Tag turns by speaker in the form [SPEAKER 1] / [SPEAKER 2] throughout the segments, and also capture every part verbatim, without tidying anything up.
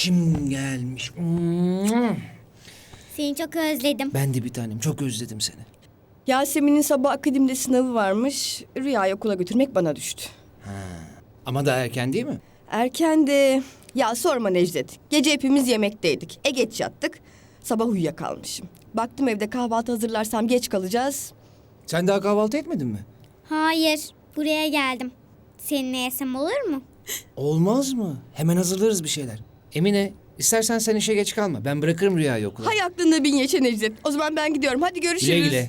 [SPEAKER 1] Kim gelmiş?
[SPEAKER 2] Seni çok özledim.
[SPEAKER 1] Ben de bir tanem. Çok özledim seni.
[SPEAKER 3] Yasemin'in sabah akademide sınavı varmış. Rüya'yı okula götürmek bana düştü.
[SPEAKER 1] Ama daha erken değil mi?
[SPEAKER 3] Erken de... Ya sorma Necdet. Gece hepimiz yemekteydik. E geç yattık. Sabah uyuyakalmışım. Baktım evde kahvaltı hazırlarsam geç kalacağız.
[SPEAKER 1] Sen daha kahvaltı etmedin mi?
[SPEAKER 2] Hayır, buraya geldim. Seninle yesem olur mu?
[SPEAKER 1] Olmaz mı? Hemen hazırlarız bir şeyler. Emine, istersen sen işe geç kalma. Ben bırakırım Rüya'yı okula.
[SPEAKER 3] Hay aklında bin yaşa Necdet. O zaman ben gidiyorum. Hadi görüşürüz.
[SPEAKER 1] Güle güle.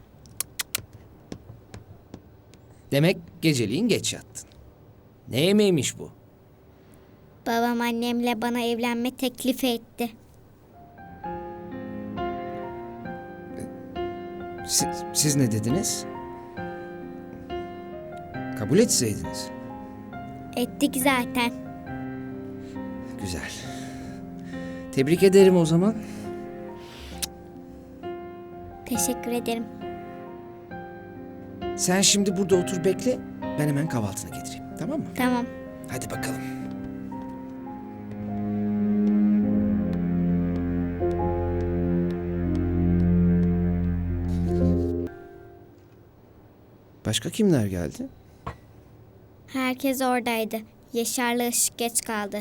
[SPEAKER 1] Demek geceliğin geç yattın. Ne yemeğiymiş bu?
[SPEAKER 2] Babam annemle bana evlenme teklifi etti.
[SPEAKER 1] Siz, siz ne dediniz? Kabul etseydiniz.
[SPEAKER 2] Ettik zaten.
[SPEAKER 1] Güzel. Tebrik ederim o zaman.
[SPEAKER 2] Teşekkür ederim.
[SPEAKER 1] Sen şimdi burada otur bekle. Ben hemen kahvaltını getireyim. Tamam mı?
[SPEAKER 2] Tamam.
[SPEAKER 1] Hadi bakalım. Başka kimler geldi?
[SPEAKER 2] Herkes oradaydı. Yaşar'la Işık geç kaldı.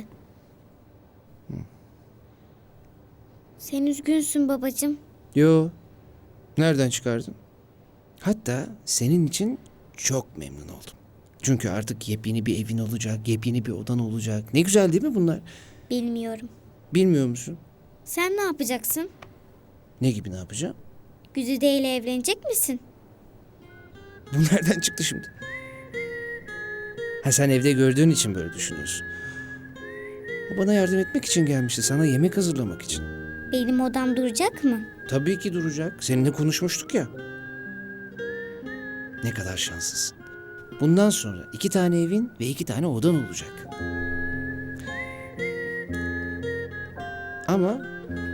[SPEAKER 2] Sen üzgünsün babacığım.
[SPEAKER 1] Yo. Nereden çıkardın? Hatta senin için çok memnun oldum. Çünkü artık yepyeni bir evin olacak, yepyeni bir odan olacak. Ne güzel değil mi bunlar?
[SPEAKER 2] Bilmiyorum.
[SPEAKER 1] Bilmiyor musun?
[SPEAKER 2] Sen ne yapacaksın?
[SPEAKER 1] Ne gibi ne yapacağım?
[SPEAKER 2] Güzide ile evlenecek misin?
[SPEAKER 1] Bu nereden çıktı şimdi? Ha sen evde gördüğün için böyle düşünüyorsun. O bana yardım etmek için gelmişti. Sana yemek hazırlamak için.
[SPEAKER 2] Benim odam duracak mı?
[SPEAKER 1] Tabii ki duracak. Seninle konuşmuştuk ya. Ne kadar şanslısın. Bundan sonra iki tane evin ve iki tane odan olacak. Ama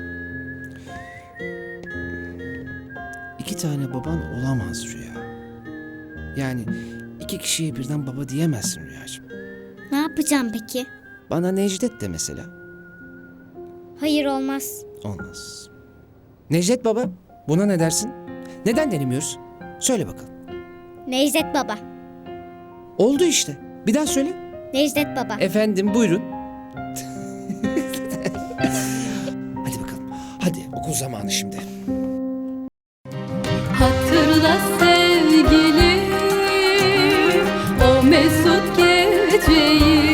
[SPEAKER 1] iki tane baban olamaz Rüya. Yani iki kişiye birden baba diyemezsin Rüyacığım.
[SPEAKER 2] Ne yapacağım peki?
[SPEAKER 1] Bana Necdet de mesela.
[SPEAKER 2] Hayır olmaz.
[SPEAKER 1] Olmaz. Necdet baba, buna ne dersin? Neden denemiyoruz? Söyle bakalım.
[SPEAKER 2] Necdet baba.
[SPEAKER 1] Oldu işte. Bir daha söyle.
[SPEAKER 2] Necdet baba.
[SPEAKER 1] Efendim buyurun. Hadi bakalım. Hadi okul zamanı şimdi.
[SPEAKER 4] Hatırla sevgilim o mesut geceyi.